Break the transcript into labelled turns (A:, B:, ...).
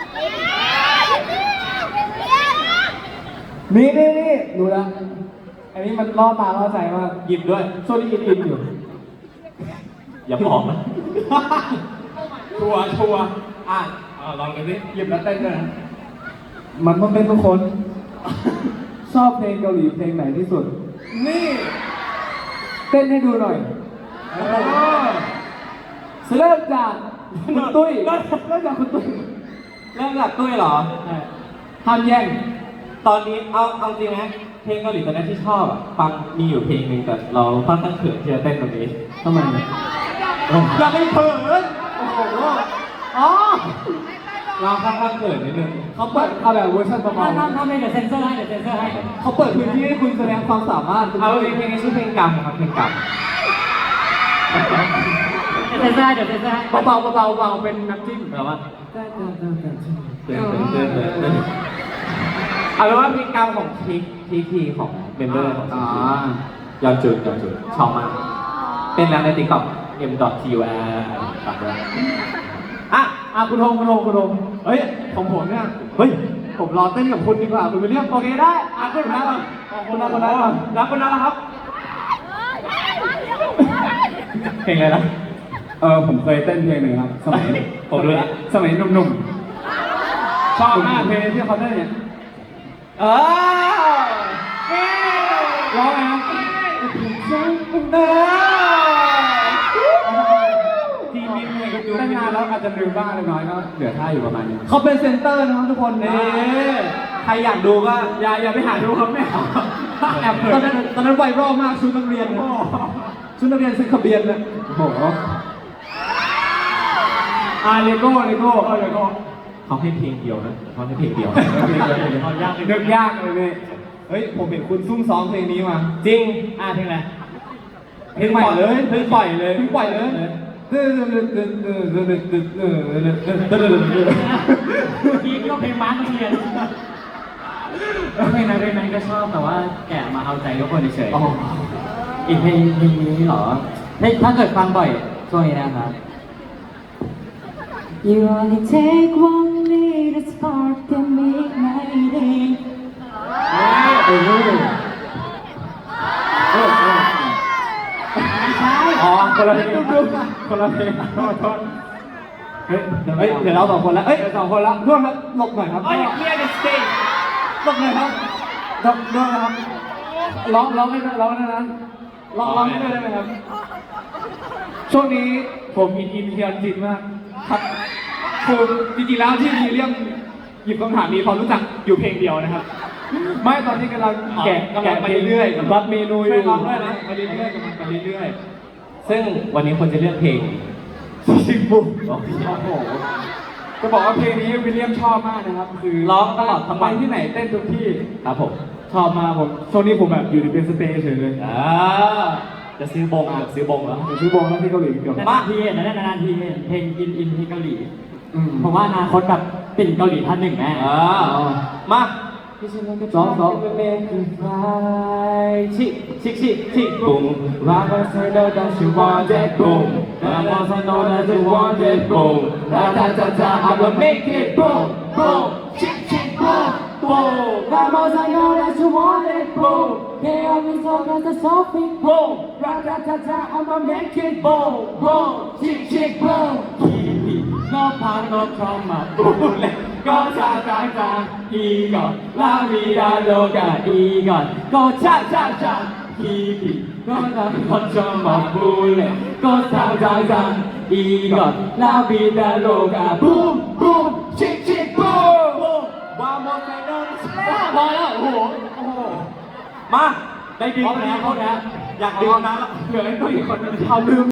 A: นี่ดูแล้วอันนี้มันล่อตาล่อใจมาก
B: หยิบด้วย
A: โซนี่อินอยู่
B: อย่าบอกนะชัวร์อ่ะลองกันสิ
A: หยิบแล้วเต้นด้วยนะมันต้องเป็นทุกคน ชอบเพลงเกาหลีเพลงไหนที่สุด นี่เต้นให้ดูหน่อยเริ่มจากคุณตุ้ยเริ่มจากคุณตุ้ย
B: เริ่มจากตุ้ยเหรอ
A: ห้ามแย่ง
B: ตอนนี้เอาจริงนะเพลงเกาหลีตอนนี้ที่ชอบอ่ะฟังมีอยู่เพลงหนึ่งแต่เราค่อนข้างเขินที่จะเต้นตรงนี้
A: ทำไมเนี่ย
B: อย่าไปเขิน
A: โอ้โหอ๋อ
B: เราค่อนข้างเขินนิดนึง
A: เขาเปิดเอาแบบเวอร์ชันประมาณ
C: ถ้าไม่เดี๋ยวเซ็นเซอร์ให้
A: เขาเปิดพื้นที่ให้คุณแสดงความสามารถ
B: เอาเพลงนี้ชื่อเพลงกรรมครับเพลงกรรม
C: เซ็นเซอร์ให้
A: เบาเป็นน้ำจิ้ม
B: แปลว่าเต้นเอาเป็นว่าเพลงกรรมของทีของเมมเบอร์ของยอนจุนชอบมากเป็นแล้วในติ๊กต็อก m.tur ตัดด้วย
A: คุณโฮมเฮ้ยของผมเนี่ยเฮ้ยผมรอเต้นกับคุณดีกว่าคุณไปเรียกโอเคได้คุณนะคุณนะ
B: แล้วคนนั้นล่ะครับเพลงอะไรนะ
A: ผมเคยเต้นเพลงหนึ่งครับสมัย
B: ผมรู้แล้ว
A: สมัยหนุ่มๆชอบมากเพลงที่เขาเต้นเนี่ยร้องไงครับทีมนี้เต้นนานแล้วอาจจะลืมบ้างเล็กน้อยก็เหลือท่าอยู่ประมาณนี้เขาเป็นเซนเตอร์นะครับทุกคนนี่
B: ใครอยากดูก็
A: อย่าไปหาดูครับแม่แอบตอนนั้นไวรัลมากชุดนักเรียนชุดนักเรียนซื้อขบเบียนเลยโอ้โหเลโก้
B: เขาให้เพลงเดียวนะเขาให้เพลงเดียว
A: เขายากนึกยากเลยเนี่ยเฮ้ยผมเห็นคุณซุ่มซ้อมเพลงนี้มา
B: จริง
C: เพลงอะไร
A: เพลงใหม่เลยเพิ่งปล่อยเลย
C: พี่ก็เพลงม้าเรียนเพลงนั้นก็ชอบแต่ว่าแกะมาเอาใจทุกคนเฉยๆอีกเพลงนี้เหรอถ้าเกิดฟังบ่อยช่วงนี้นะครับ You only take one little spark to make my day
A: คนละเพลงเฮ้ยเดี๋ยวเรา2 คนแล้ว2 คนแล้วร่วมครับหลบหน่อยครับ
B: เคลียร์ดิสเตย์
A: หลบหน่อยครับร่วมนะครับร้องให้ได้นะร้องให้ได้ไหมครับช่วงนี้ผมอินเทียนจิตมากครับคือจริงๆแล้วที่มีเรื่องหยิบคำถามมีความรู้จักอยู่เพลงเดียวนะครับไม่ตอนนี้กำลังแกะไปเรื่อยๆรับเมนูอยู่ด้วยนะไปเรื่อย
B: ซึ่งวันนี้คนจะเลือกเพลง
A: ชิงบุกโอ้โหจะบอกว่าเพลงนี้วิลเลียมชอบมากนะครับคือ
B: ร้องตลอดทั้งวัน
A: ที่ไหนเต้นทุกที่
B: ครับผม
A: ชอบมากผมช่วงนี้ผมแบบอยู่ในเป็นสเตย์เฉยเลย
B: จะซื้อบงแล้ว
A: ซื้อบงแล้วที่เกาหลีเกือบ
C: นานทีเห็นเพลงอินที่เกาหลีผมว่าอนาคตแบบติ่งเกาหลีท่านหนึ่งแน่
B: มา
A: ซ้อม
B: ชิบุ้มว่าก็ใส่แล้วแต่ฉันว่าเจ็บบุ้มแล้วก็ใส่แล้วแต่ฉันว่าเจ็บบุ้มแล้วจ้า I will make it boom boomชิบุ้มboomแล้วก็ใส่แล้วแต่ฉันว่าเจ็บบุ้มแค่เอาไม่ซ้อมก็จะซ้อมฟิกบุ้มแล้วจ้า I will make it boom boomชิบุ้มก็พาก็เข้ามาบูเลยก็ชาอีก่อนลาวิดาโลกาอีก่อนก็ชาฮีก็เข้ามาบูเลยก็ชาอีก่อนลาวิดาโลกาบูมชิบูมวาโมไซโนพอแล้วโอ้โหมาได้ดีแล้วอยากดื่มน้ำแล้วเหลือไอ้ตัวอีกคนนึงเขาลืม